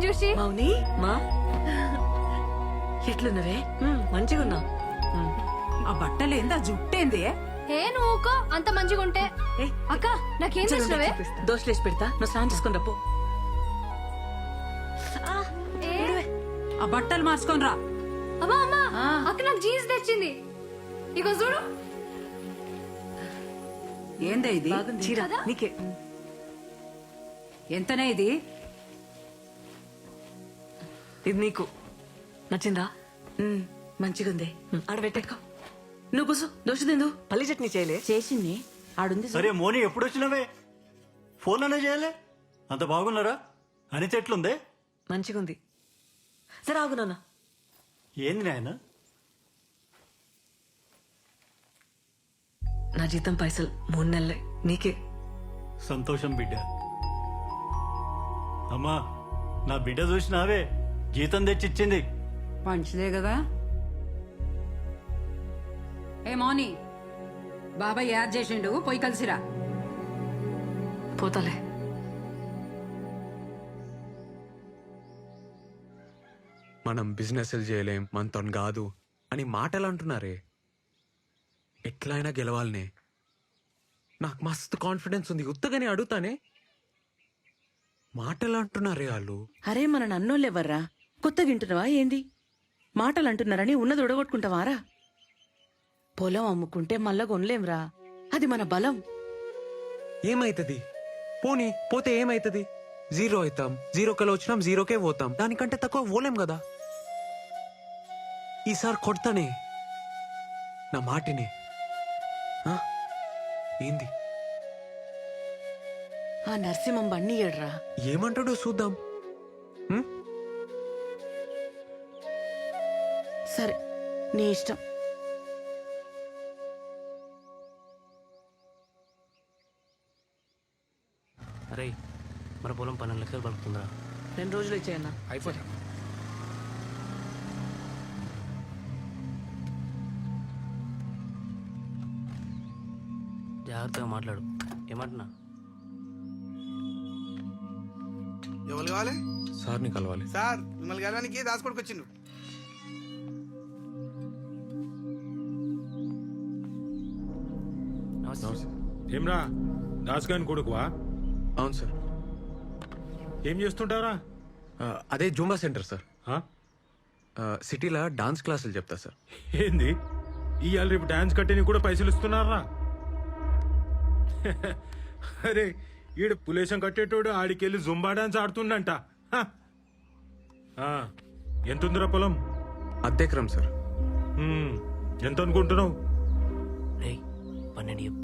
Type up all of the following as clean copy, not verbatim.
చూసి. మౌని మా ఎట్లున్నవే? మంచిగా ఉన్నా. ఆ బట్టలేంది, ఆ జుట్టేంది? ఏ నువ్వుకో అంత మంచిగా ఉంటే. అక్క నాకేం చేసినవే? దోశలేసి పెడతా, నువ్వు స్నానం చేసుకుని రప్పు. ఆ బట్టలు మార్చుకొని రా. అమ్మా అమ్మా, అక్క నాకు జీన్స్ తెచ్చింది. ఇగో చూడు. ఏందే ఇది? చీర నీకే. ఎంతనే ఇది? ఇది నీకు నచ్చిందా? మంచిగుంది. ఆడబెట్టేకో. నువ్వు కూసు. దోశ తిందు. పల్లి చట్నీ చేయలే? చేసింది ఆడుంది. సరే మోని, ఎప్పుడు వచ్చినవే? ఫోన్ అనే చేయలే? అంత బాగున్నారా? అనిత ఎట్లుందే? మంచిగుంది. సరే ఆగు నాన్న. ఏంది నాయన? నా జీతం పైసలు 3 నెలలే, నీకే. సంతోషం బిడ్డ. అమ్మా, నా బిడ్డ చూసినావే, జీతం తెచ్చిచ్చింది. మంచిదే కదా. ఏ మౌని, బాబాయ్ యాడ్ చేసిండు, పోయి కలిసిరా. పోతాలే. మనం బిజినెస్లు చేయలేం, మనతో కాదు అని మాటలు అంటున్నారే. ఎట్లయినా గెలవాలనే. నాకు మస్తు కాన్ఫిడెన్స్ ఉంది, ఉత్తగానే అడుగుతానే. మాటలు అంటున్నారే వాళ్ళు. అరే మన నన్నోళ్ళెవర్రా? కొత్తగా వింటున్నావా ఏంది? మాటలు అంటున్నారని ఉన్నది ఉడగొట్టుకుంటావారా? పొలం అమ్ముకుంటే మళ్ళా కొనలేంరా, అది మన బలం. ఏమైతుంది? పోనీ పోతే ఏమైతుంది? 0 అవుతాం. 0 కల వచ్చినాం, 0కే పోతాం. దానికంటే తక్కువ పోలేం కదా. ఈసారి కొడతానే నా మాటిని. ఏంది? ఆ నరసింహం బండి ఏడ్రా. ఏమంటాడో చూద్దాం. సరే నీ ఇష్టం. అరే, మన పొలం 12 లక్షలు పడుతుందిరా. 2 రోజులు ఇచ్చేయన్నా. అయిపోతా. జాగ్రత్తగా మాట్లాడు. ఏమంటున్నా? ఎవరు కావాలి? సార్ని కలవాలి. సార్ మిమ్మల్ని కలవడానికి దాచుకోడికి వచ్చిండు. ఏమ్రా, దాస్గాని కొడుకువా? అవును సార్. ఏం చేస్తుంటారా? అదే జూంబా సెంటర్ సార్. ఆ? సిటీలో డాన్స్ క్లాసులు చెప్తా సార్. ఏంది, ఇవాళ రేపు డాన్స్ కట్టేని కూడా పైసలు ఇస్తున్నారా? అరే, ఈడు పులేశం కట్టేటోడు ఆడికెళ్ళి జుంబా డాన్స్ ఆడుతుండంట. హ. ఆ, ఎంతుందిరా పొలం? అద్దెకరం సార్. ఎంత అనుకుంటున్నావు? రే, 12 చెప్పు.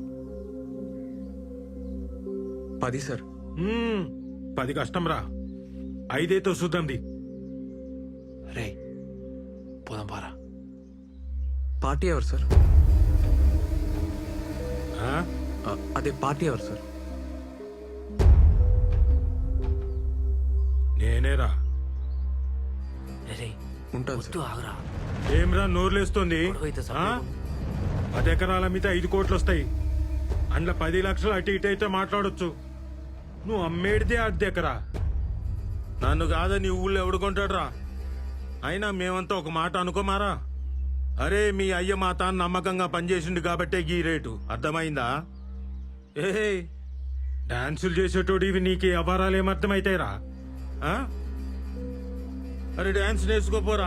10 సార్. 10 కష్టం రా, 5 చూద్దాంది. రే, పోదాం పారా. పార్టీ ఎవరు సార్? ఆ? అదే పార్టీ ఎవరు సార్? నేనేరా. రే, ఉంటాను వద్దు, సార్. ఆగురా. ఏమ్రా నోర్లేస్తుంది? గొడవైతే ఆ? సపరేట్. 10 ఎకరాల మీద 5 కోట్లు వస్తాయి. అందులో 10 లక్షలు అటు ఇటు అయితే మాట్లాడొచ్చు. నువ్వు అమ్మేడితే 10 ఎకరా. నన్ను కాదని ఊళ్ళో ఎవడు కొంటాడు రా? అయినా మేమంతా ఒక మాట అనుకోమారా. అరే, మీ అయ్య మా తాను నమ్మకంగా పనిచేసిండు కాబట్టే ఈ రేటు. అర్థమైందా? ఏ డాన్సులు చేసేటోడు ఇవి నీకు అపారాలు ఏమర్థమైతాయిరా? అరే, డాన్స్ నేర్చుకోపోరా.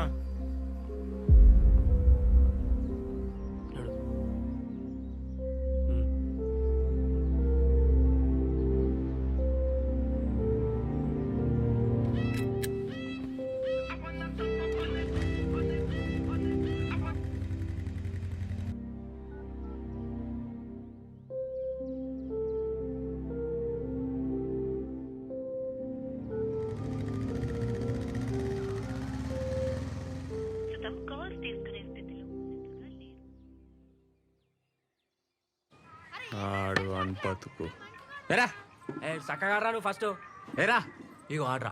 ఆడు అన్పతుకు. ఏరా, చక్కగా రా నువ్వు ఫస్ట్. ఏరా, ఇగో ఆడరా.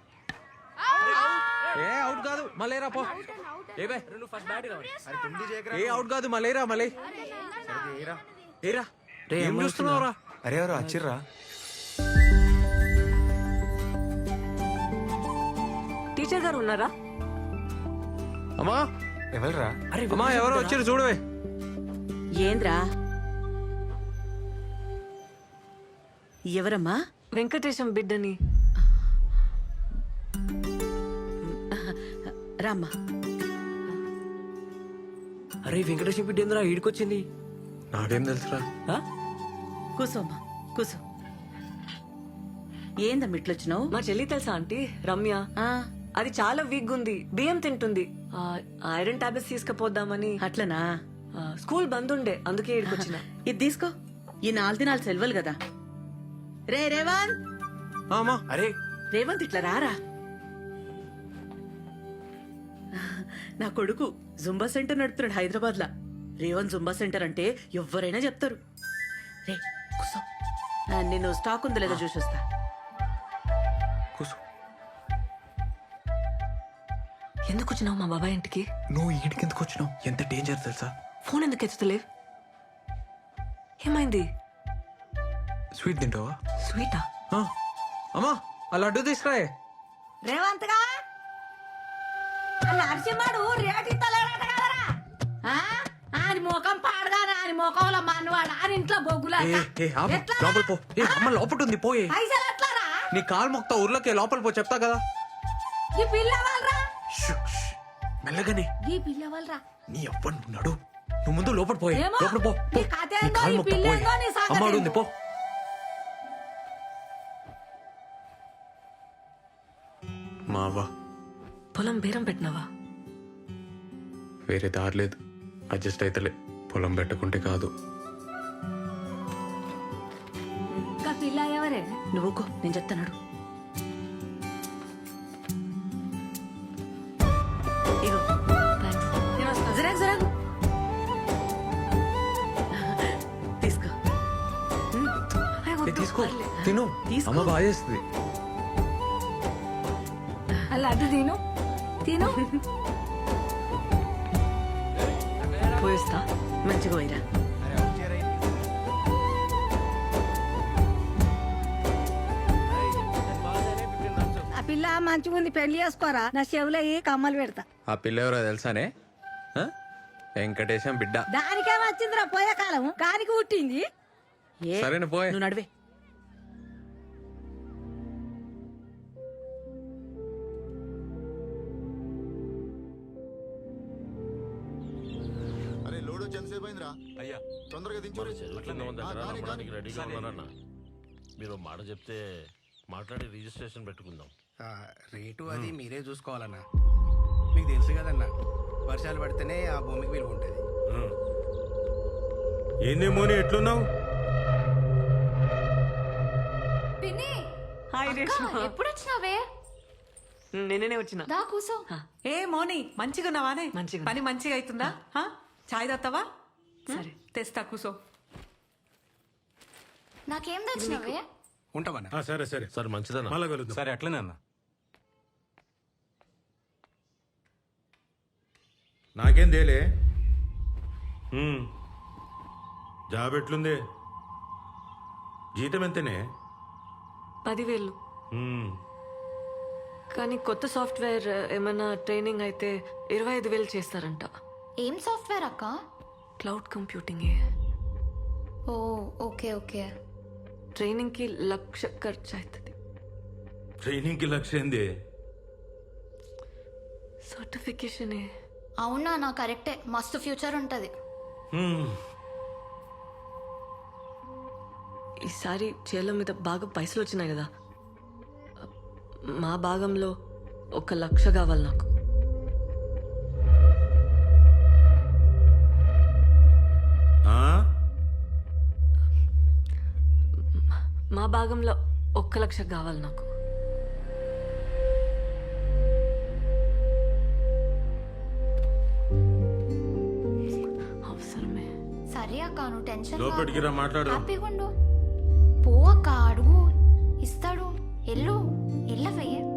ఏ అవుట్ కాదు, మళ్ళీరా పో. ఏబే, నువ్వు ఫస్ట్ బ్యాట్ రావాలి. ఏ అవుట్ కాదు, మళ్ళీరా మళ్ళీ. ఏరా, ఏం చూస్తున్నావురా? అరే ఎవరు వచ్చిర్రా? మినిస్టర్ గారు ఉన్నారా? అమ్మా ఎవరురా? అరే అమ్మా ఎవరో వచ్చారు చూడవే. ఏంద్రా? ఎవరమ్మా? వెంకటేశం బిడ్డని. రామ్మా. అరే వెంకటేశ్వర బిడ్డ ఏందిరా ఈడికొచ్చింది? నాకేం తెలుసురా? ఆ? కూసోమ్మా కూసో. ఏందమ్మా ఇట్లొచ్చినావు? మా చెల్లి తెలుసా ఆంటీ, రమ్య. అది చాలా వీక్ ఉంది, బియ్యం తింటుంది. ఐరన్ టాబ్లెట్స్ తీసుకుపోద్దామని. అట్లనా? స్కూల్ బంద్ ఉండే, అందుకే ఇక్కడికొచ్చిన. ఇది తీసుకో. ఈ 4 దినాలు సెలవులు కదా. రేవంత్, అమ్మా అరే రేవంత్ ఇట్లా రారా. నా కొడుకు జుంబా సెంటర్ నడుపుతున్నాడు హైదరాబాద్ లా. రేవంత్ జుంబా సెంటర్ అంటే ఎవరైనా చెప్తారు. రే కూసో. నేను స్టాక్ ఉందో లేదో చూసి వస్తా. కూర్చో. ఎందుకు వచ్చినావు మా బాబాయ్ ఇంటికి? నువ్వు ఈడికి ఎందుకు వచ్చినావు? ఎంత డేంజర్ తెలుసా? ఫోన్ ఎందుకు ఎత్తుతలేవు? ఏమైంది? స్వీట్ తింటావా? స్వీటా? ఆ. అమ్మా ఆ లడ్డు తీసుకురాయే. రేవంత్ గా నరసింహడు రేటు ఇస్తలేడట కదరా? ఆయన ముఖం పాడగానే ఆయన ముఖంలో మనవాడు ఆయన ఇంట్లో బొగ్గులా ఏ, ఏ, ఆపు. లోపల పో. ఏ, అమ్మ లోపల ఉంది, పోయే. పైసలు ఎట్లారా? నీ కాలు మొక్తా ఊర్లోకి లోపల పో, చెప్తా కదా. ఈ పిల్ల వాళ్ళరా? షూ, షూ. మెల్లగానే. ఈ పిల్ల వాళ్ళరా? నీ అవ్వను ఉన్నాడు. నువ్వు ముందు లోపల పోయే. ఏమో. లోపల పో, పో. నీ కథ నీ ఏందో, కాలు ఈ మొక్తా పిల్ల పోయే. ఏందో, నీ సంగతి అమ్మ ఏందో. ఉంది, పో. మావా పొలం బేరం పెట్టినావా? వేరే దారి లేదు. అడ్జస్ట్ అయితలే. పొలం పెట్టుకుంటే కాదు. ఇంకా పిల్ల ఎవరే? నువ్వుకో, నేను చెప్తాను. ఇగో జరాగు జరాగు తీసుకో. ఏ, తీసుకో, తిను. తీసుకో. అమ్మ బాగా చేస్తుంది. అలా అడ్డు తిను తిను. పోయిస్తా. మంచిగా పోయిరా. ఆ పిల్ల మంచిగా ఉంది, పెళ్లి చేసుకోరా. నా చెవులో కమ్మలు పెడతా. ఆ పిల్ల ఎవరో తెలుసానే? ఆ? వెంకటేశం బిడ్డ. దానికే వచ్చిందిరా పోయే కాలం, కానికి పుట్టింది. ఏ, సరేనా, పోయే. నువ్వు నడివే. అరే లోడ్ వచ్చి ఎంతసేపు అయిందిరా? అయ్యా తొందరగా దించు. రెడీగా ఉన్నారన్న. మీరు మాట చెప్తే మాట్లాడి రిజిస్ట్రేషన్ పెట్టుకుందాం. రేటు అది మీరే చూసుకోవాలన్నా. మీకు తెలుసు కదన్నా, వర్షాలు పడితేనే ఆ భూమికి విలువ ఉంటుంది. ఏందేమోని ఎట్లున్నావు? పిన్ని హాయ్ అక్క, రేష్మా. ఎప్పుడు వచ్చినావే? నేనే వచ్చిన. దా కూసో. ఏ మోని, మంచిగా ఉన్నావానే? మంచిగా. పని మంచిగా అవుతుందా? చాయ్ తాగుతావా? సరే తెస్తా, కూసో. నాకేం తెచ్చినావే? ఉంటామన్నా. సరే సరే సరే మంచిదన్న. మళ్ళా కలుద్దాం. సరే అట్లనే అన్న. నాకేం తేలే. జాబ్ ఎట్లుంది? జీతం ఎంతనే? 10,000. కానీ కొత్త సాఫ్ట్వేర్ ఏమైనా ట్రైనింగ్ అయితే 25,000 చేస్తారంట. ఏం సాఫ్ట్వేర్ అక్క? Cloud computing. Oh okay okay. Training కి 1,00,000 ఖర్చు అవుతుంది. ట్రైనింగ్ కి లక్ష్యం ఏంది? సర్టిఫికేషన్. అవునా, నా కరెక్టే, మస్తు ఫ్యూచర్ ఉంటది. ఈసారి చేల మీద బాగా పైసలు వచ్చినాయి కదా, మా భాగంలో 1,00,000 కావాలి నాకు. మా భాగంలో 1,00,000 కావాలి నాకు. అవసరమే. సరే అక్క, నువ్వు టెన్షన్ లోపలికి రా, మాట్లాడు. హ్యాపీగా ఉండు. పో అక్క, అడుగు, ఇస్తాడు. ఎల్లు ఎల్లవయ్యే.